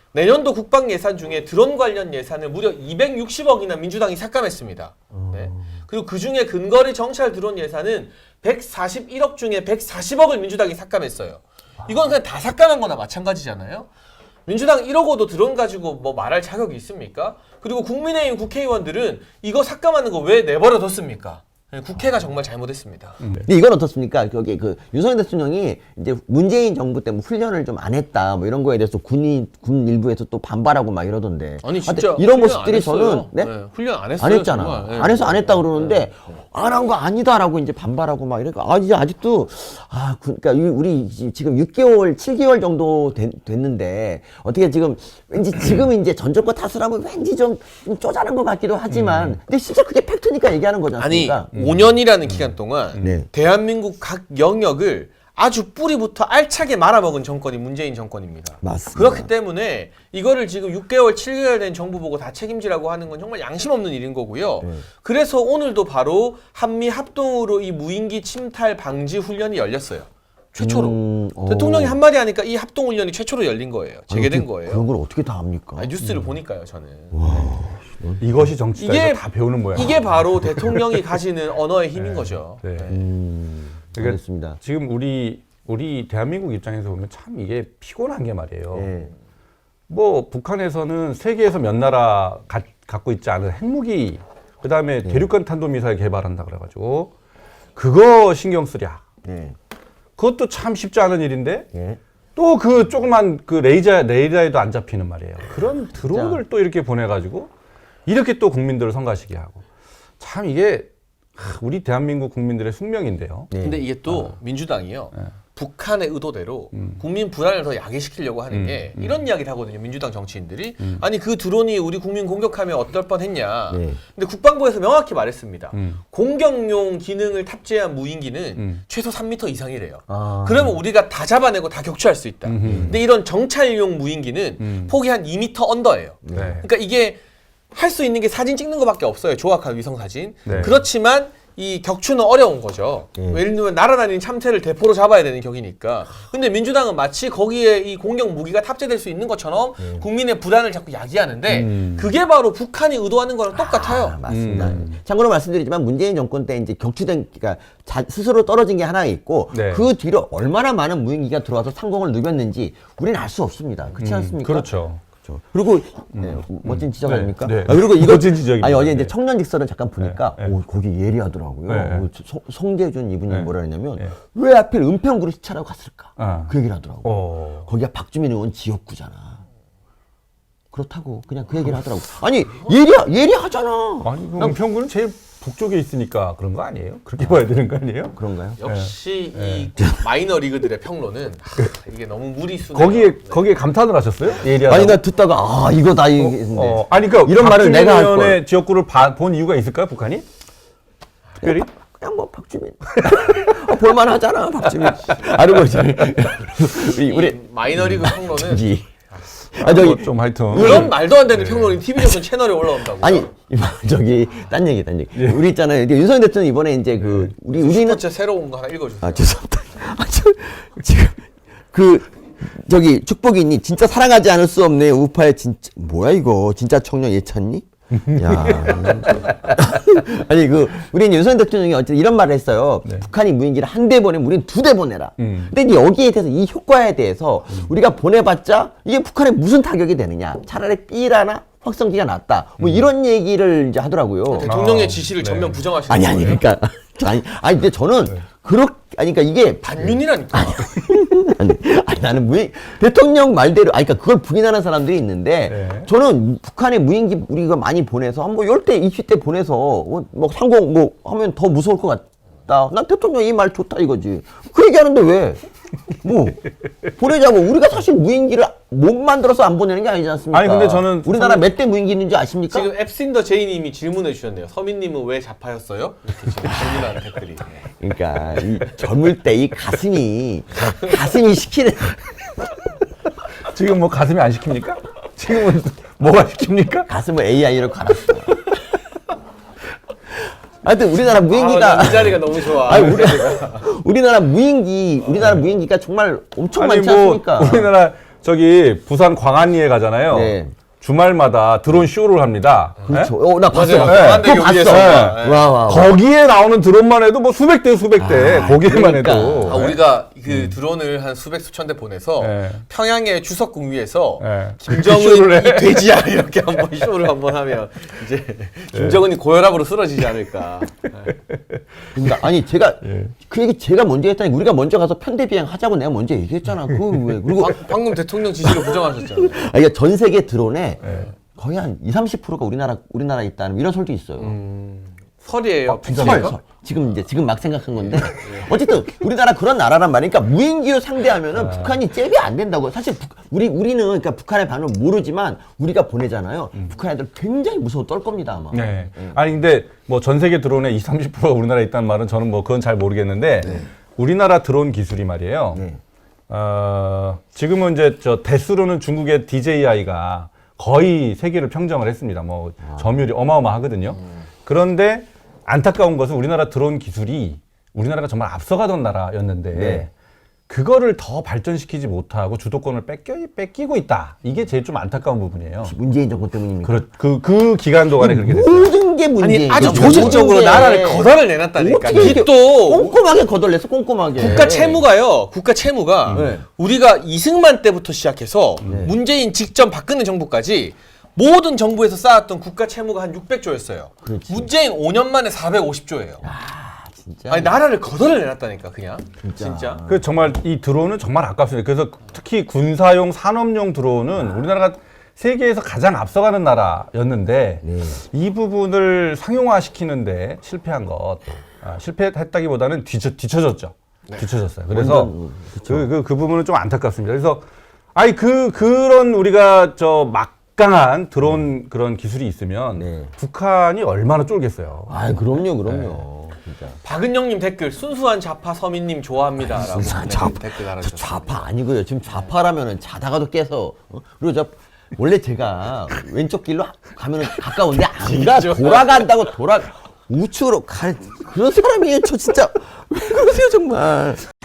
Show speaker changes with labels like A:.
A: 내년도 국방 예산 중에 드론 관련 예산을 무려 260억이나 민주당이 삭감했습니다. 네. 그리고 그 중에 근거리 정찰 드론 예산은 141억 중에 140억을 민주당이 삭감했어요. 이건 그냥 다 삭감한 거나 마찬가지잖아요. 민주당 1억원도 드론 가지고 뭐 말할 자격이 있습니까? 그리고 국민의힘 국회의원들은 이거 삭감하는 거 왜 내버려뒀습니까? 국회가 정말 잘못했습니다.
B: 근데 이건 어떻습니까? 여기 그 윤석열 대통령이 이제 문재인 정부 때 뭐 훈련을 좀 안 했다 뭐 이런 거에 대해서 군 일부에서 또 반발하고 막 이러던데.
A: 아니 진짜
B: 이런 모습들이 저는
A: 네? 훈련 안 했어요.
B: 안 했잖아.
A: 네.
B: 안 해서 안 했다 그러는데 안 한 거 아니다라고 이제 반발하고 막 이러니까 이제 아직도 그러니까 우리 지금 6개월, 7개월 정도 됐는데 어떻게 지금 왠지 지금 이제 전 정권 탓을 하면 왠지 좀 쪼잔한 것 같기도 하지만 근데 진짜 그게 팩트니까 얘기하는 거지 않습니까?
A: 아니 5년이라는 기간 동안
B: 네.
A: 대한민국 각 영역을 아주 뿌리부터 알차게 말아먹은 정권이 문재인 정권입니다.
B: 맞습니다.
A: 그렇기 때문에 이거를 지금 6개월, 7개월 된 정부 보고 다 책임지라고 하는 건 정말 양심 없는 일인 거고요. 그래서 오늘도 바로 한미 합동으로 이 무인기 침탈 방지 훈련이 열렸어요. 최초로. 대통령이 한마디 하니까 이 합동 훈련이 최초로 열린 거예요. 재개된 거예요.
B: 그런 걸 어떻게 다 합니까?
A: 아니, 뉴스를 보니까요, 저는.
C: 이것이 정치다.
A: 이게
C: 이거 다 배우는 모양.
A: 이게 바로 대통령이 가지는 언어의 힘인 거죠.
C: 네.
B: 그러니까 알겠습니다.
C: 지금 우리 대한민국 입장에서 보면 참 이게 피곤한 게 말이에요.
B: 네.
C: 뭐 북한에서는 세계에서 몇 나라 갖고 있지 않은 핵무기, 그다음에 대륙간 탄도미사일 개발한다 그래가지고 그거 신경 쓰랴.
B: 네.
C: 그것도 참 쉽지 않은 일인데
B: 네.
C: 또 그 조그만 그 레이더에도 안 잡히는 말이에요. 그런 드론을 또 이렇게 보내가지고 이렇게 또 국민들을 성가시게 하고 참 이게 우리 대한민국 국민들의 숙명인데요.
B: 네.
A: 근데 이게 또 민주당이요. 북한의 의도대로 국민 불안을 더 야기시키려고 하는 게 이런 이야기를 하거든요. 민주당 정치인들이. 아니 그 드론이 우리 국민 공격하면 어떨 뻔했냐.
B: 네.
A: 근데 국방부에서 명확히 말했습니다. 공격용 기능을 탑재한 무인기는 최소 3m 이상이래요. 그러면 우리가 다 잡아내고 다 격추할 수 있다. 근데 이런 정찰용 무인기는 폭이 한 2m 언더예요.
C: 네.
A: 그러니까 이게 할 수 있는 게 사진 찍는 것밖에 없어요. 조악한 위성 사진.
C: 네.
A: 그렇지만 이 격추는 어려운 거죠. 예를 들면 날아다니는 참새를 대포로 잡아야 되는 격이니까. 근데 민주당은 마치 거기에 이 공격 무기가 탑재될 수 있는 것처럼 국민의 불안을 자꾸 야기하는데 그게 바로 북한이 의도하는 거랑 똑같아요.
B: 맞습니다. 참고로 말씀드리지만 문재인 정권 때 이제 격추된 그러니까 스스로 떨어진 게 하나 있고
C: 네.
B: 그 뒤로 얼마나 많은 무인기가 들어와서 상공을 누볐는지 우리는 알 수 없습니다. 그렇지 않습니까?
C: 그렇죠.
B: 그리고 멋진 지적
C: 네.
B: 아닙니까?
C: 네.
B: 그리고 이거
C: 멋진 지적입니다.
B: 아니 어제 이제
C: 네.
B: 청년직설은 잠깐 보니까
C: 네. 네.
B: 거기 예리하더라고요.
C: 네.
B: 송대준 이분이
C: 네.
B: 뭐라 했냐면
C: 네.
B: 왜 하필 은평구를 시찰하고 갔을까? 그 얘기를 하더라고. 거기가 박주민 의원 지역구잖아. 그렇다고 그냥 그 얘기를 하더라고. 아니 예리하잖아.
C: 아니 은평구는 제일 북쪽에 있으니까 그런 거 아니에요? 그렇게 봐야 되는 거 아니에요?
B: 그런가요?
A: 역시 이 마이너 리그들의 평론은 이게 너무 무리수네요.
C: 거기에 감탄을 하셨어요? 예리하다고?
B: 아니 나 듣다가 이거다 이게
C: 아니 그러니까
B: 이런 말을 내가 할 걸.
C: 박주민 지역구를 본 이유가 있을까요, 북한이? 특별히?
B: 그냥 뭐 박주민 볼만하잖아 박주민. 아르고 우리
A: 마이너 리그 평론은
B: 저기
C: 좀 하여튼
A: 그런 말도 안 되는 평론이 TV조선 채널에 올라온다고.
B: 아니 저기 딴 얘기. 우리 있잖아요. 윤석열 대통령 이번에 이제 우리는
A: 슈퍼챗 새로운 거 하나 읽어주세요.
B: 죄송합니다. 지금 저기 축복이니 진짜 사랑하지 않을 수 없네 우파의 진짜 뭐야 이거 진짜 청년 예찬니? 야 아니 우리는 윤석열 대통령이 어쨌든 이런 말을 했어요. 북한이 무인기를 한 대 보내면 우리는 2대 보내라. 근데 이제 여기에 대해서 이 효과에 대해서 우리가 보내봤자 이게 북한에 무슨 타격이 되느냐? 차라리 B라나 확성기가 낫다. 뭐 이런 얘기를 이제 하더라고요.
A: 대통령의 지시를 전면 부정하시는
B: 아니
A: 거예요.
B: 그러니까 아니 근데 저는 그러니까 이게
A: 반윤이라니까.
B: 아니 나는 대통령 말대로 그러니까 그걸 부인하는 사람들이 있는데 저는 북한의 무인기 우리가 많이 보내서 한 뭐 10대 20대 보내서 뭐 상공 뭐 하면 더 무서울 것 같다. 난 대통령 이 말 좋다 이거지. 그 얘기하는데 왜? 뭐 보내자고 우리가 사실 무인기를 못 만들어서 안 보내는 게 아니지 않습니까?
C: 아니, 근데 저는
B: 우리나라 몇 대 무인기 있는지 아십니까?
A: 지금 앱신더 제이님이 질문해 주셨네요. 서민님은 왜 자파였어요? 이렇게 지금 질문하는 댓글이.
B: 그러니까 이 젊을 때 이 가슴이 시키는
C: 지금 뭐 가슴이 안 시킵니까? 지금은 뭐가 시킵니까?
B: 가슴을 AI로 갈았어. 하여튼 우리나라 무인기가
A: 이 자리가 너무 좋아.
B: 우리나라 무인기가 정말 엄청
C: 아니
B: 많지
C: 뭐
B: 않습니까?
C: 우리나라 저기 부산 광안리에 가잖아요.
B: 네.
C: 주말마다 드론 쇼를 합니다.
B: 그렇죠.
C: 네?
B: 나 봤어요.
A: 맞아요. 광안대교
B: 그거
A: 위에서.
B: 봤어.
A: 네.
B: 와.
C: 거기에 나오는 드론만 해도 뭐 수백 대 수백 대 거기에만
B: 그러니까.
C: 해도.
A: 우리가 그 드론을 한 수백 수천 대 보내서
C: 네.
A: 평양의 주석궁 위에서
C: 네.
A: 김정은이
C: 쇼를 해.
A: 돼지야 이렇게 한번 쇼를 한번 하면 이제 김정은이 고혈압으로 쓰러지지 않을까.
B: 그러니까 아니 제가
C: 예.
B: 그 얘기 제가 먼저 했다니 우리가 먼저 가서 편대 비행 하자고 내가 먼저 얘기했잖아. 그 왜? 그리고
A: 방금 대통령 지시를 부정하셨잖아요.
B: 이게 전 세계 드론에 거의 한 20~30%가 우리나라에 있다는 이런 설도 있어요.
A: 설이에요.
C: 진짜
B: 설,
C: 설.
B: 설. 지금 막 생각한 건데 어쨌든 우리나라 그런 나라란 말이니까 무인기로 상대하면은 북한이 잽이 안 된다고. 사실 우리는 그러니까 북한의 반응을 모르지만 우리가 보내잖아요. 북한 애들 굉장히 무서워 떨 겁니다 아마.
C: 네. 아니 근데 뭐 전 세계 드론의 20~30%가 우리나라에 있다는 말은 저는 뭐 그건 잘 모르겠는데 우리나라 드론 기술이 말이에요.
B: 네.
C: 지금은 이제 저 대수로는 중국의 DJI가 거의 세계를 평정을 했습니다. 뭐 점유율이 어마어마하거든요. 그런데 안타까운 것은 우리나라 드론 기술이 우리나라가 정말 앞서가던 나라였는데
B: 네.
C: 그거를 더 발전시키지 못하고 주도권을 뺏기고 있다. 이게 제일 좀 안타까운 부분이에요.
B: 문재인 정권 때문입니까?
C: 그 기간 동안에 그렇게 됐어요.
B: 모든 게 문제예요.
A: 아니 아주
B: 모든
A: 조직적으로
B: 게.
A: 나라를 거덜을 내놨다니까.
B: 어떻게
A: 이게
B: 이렇게
A: 또
B: 꼼꼼하게 거덜냈어 꼼꼼하게.
A: 국가 채무가요. 국가 채무가
B: 네.
A: 우리가 이승만 때부터 시작해서 문재인 직전 박근혜 정부까지 모든 정부에서 쌓았던 국가 채무가 한 600조였어요.
B: 그렇지.
A: 문재인 5년 만에 450조예요.
B: 진짜.
A: 아니 나라를 거덜을 내놨다니까 그냥. 진짜.
C: 그 정말 이 드론은 정말 아깝습니다. 그래서 특히 군사용 산업용 드론은 우리나라가 세계에서 가장 앞서가는 나라였는데
B: 네.
C: 이 부분을 상용화시키는데 실패한 것, 실패했다기보다는 뒤처졌죠. 뒤처졌어요. 그래서
B: 완전,
C: 그 부분은 좀 안타깝습니다. 그래서 아니 그런 우리가 저 막강한 드론 그런 기술이 있으면
B: 네.
C: 북한이 얼마나 쫄겠어요.
B: 아, 그럼요. 진짜.
A: 박은영님 댓글 순수한 좌파 서민님 좋아합니다라고 댓글 달아주셨어요.
B: 좌파 아니고요. 지금 좌파라면은 자다가도 깨서 그리고 저 원래 제가 왼쪽 길로 가면은 가까운데 안 가. 돌아간다고 우측으로 가. 그런 사람이에요. 저 진짜 왜 그러세요 정말.